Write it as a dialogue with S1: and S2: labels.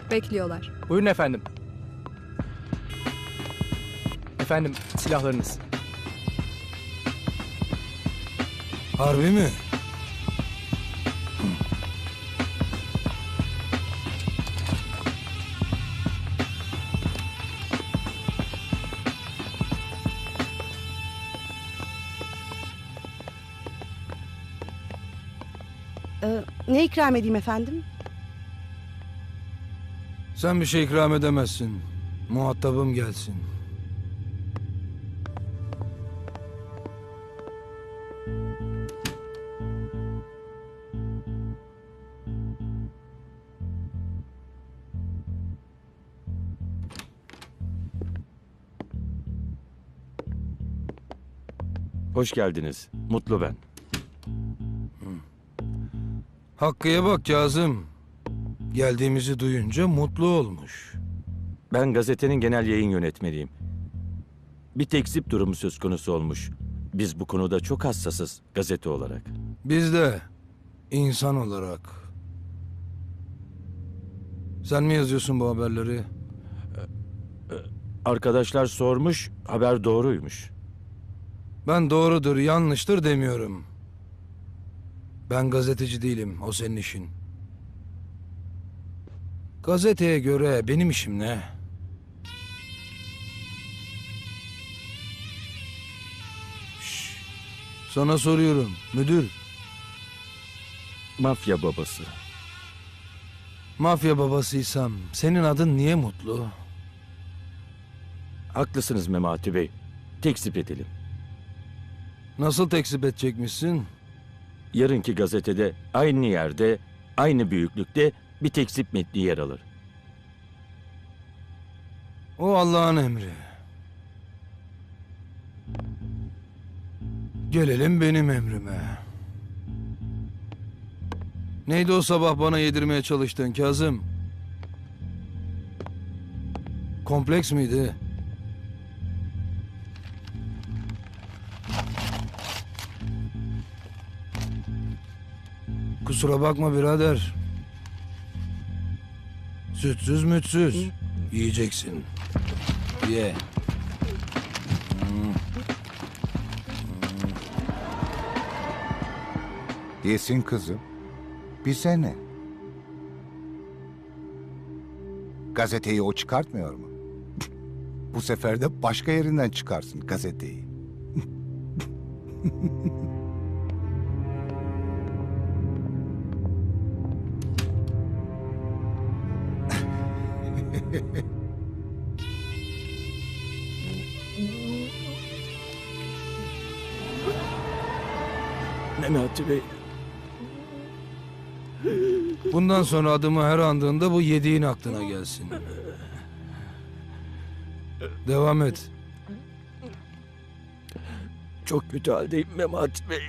S1: Bekliyorlar.
S2: Buyurun efendim. Efendim, silahlarınız.
S3: Harbi mi?
S4: Ne ikram edeyim efendim?
S3: Sen bir şey ikram edemezsin. Muhatabım gelsin.
S5: Hoş geldiniz. Mutlu ben.
S3: Hakkı'ya bak Kazım. Geldiğimizi duyunca mutlu olmuş.
S5: Ben gazetenin genel yayın yönetmeniyim. Bir tekzip durumu söz konusu olmuş. Biz bu konuda çok hassasız gazete olarak.
S3: Biz de insan olarak. Sen mi yazıyorsun bu haberleri?
S5: Arkadaşlar sormuş, haber doğruymuş.
S3: Ben doğrudur, yanlıştır demiyorum. Ben gazeteci değilim, o senin işin. Gazeteye göre benim işim ne? Şşş, sana soruyorum, müdür.
S5: Mafya babası.
S3: Mafya babasıysam senin adın niye Mutlu?
S5: Haklısınız Memati Bey. Tekzip edelim.
S3: Nasıl tekzip edecekmişsin?
S5: Yarınki gazetede aynı yerde, aynı büyüklükte bir tekzip metni yer alır.
S3: O Allah'ın emri. Gelelim benim emrime. Neydi o sabah bana yedirmeye çalıştığın Kazım? Kompleks miydi? Kusura bakma birader. Sütsüz mütsüz. Yiyeceksin. Ye.
S6: Yesin kızım. Bize ne? Gazeteyi o çıkartmıyor mu? Bu sefer de başka yerinden çıkarsın gazeteyi.
S5: Memati Bey.
S3: Bundan sonra adımı her andığında bu yediğin aklına gelsin. Devam et.
S5: Çok kötü haldeyim Memati Bey.